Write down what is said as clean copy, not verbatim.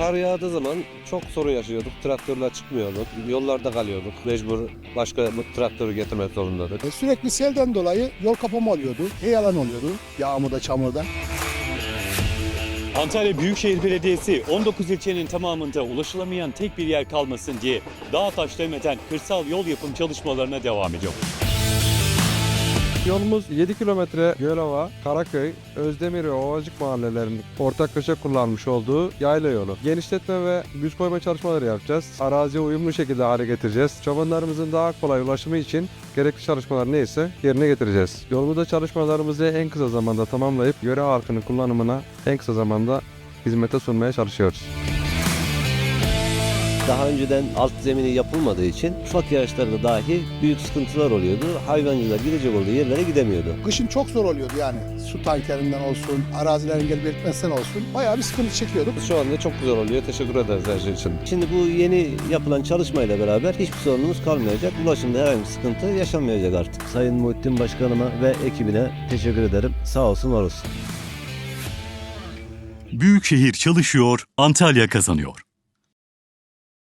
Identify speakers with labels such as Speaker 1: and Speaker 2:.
Speaker 1: Kar yağdığı zaman çok sorun yaşıyorduk. Traktörle çıkmıyorduk. Yollarda kalıyorduk. Mecbur başka traktörü getirmek zorundaydık.
Speaker 2: Sürekli selden dolayı yol kapama oluyordu. Heyelan oluyordu yağmurda, çamurda.
Speaker 3: Antalya Büyükşehir Belediyesi 19 ilçenin tamamında ulaşılamayan tek bir yer kalmasın diye dağ taş demeden kırsal yol yapım çalışmalarına devam ediyor.
Speaker 4: Yolumuz 7 kilometre Gölova, Karaköy, Özdemir ve Ovacık mahallelerinin ortaklaşa kullanmış olduğu yayla yolu. Genişletme ve güz koyma çalışmaları yapacağız. Araziye uyumlu şekilde hale getireceğiz. Çobanlarımızın daha kolay ulaşımı için gerekli çalışmalar neyse yerine getireceğiz. Yolumuzda çalışmalarımızı en kısa zamanda tamamlayıp yöre halkının kullanımına en kısa zamanda hizmete sunmaya çalışıyoruz.
Speaker 1: Daha önceden alt zemini yapılmadığı için ufak yağışlarda dahi büyük sıkıntılar oluyordu. Hayvancılar gidecek olduğu yerlere gidemiyordu.
Speaker 2: Kışın çok zor oluyordu yani. Su tankerinden olsun, arazilerin engel belirtmesinden olsun. Bayağı bir sıkıntı çekiyorduk.
Speaker 1: Şu anda çok güzel oluyor. Teşekkür ederiz her şey için. Şimdi bu yeni yapılan çalışmayla beraber hiçbir sorunumuz kalmayacak. Ulaşımda herhangi bir sıkıntı yaşanmayacak artık. Sayın Muhittin Başkanıma ve ekibine teşekkür ederim. Sağ olsun, var olsun.
Speaker 3: Büyükşehir çalışıyor, Antalya kazanıyor.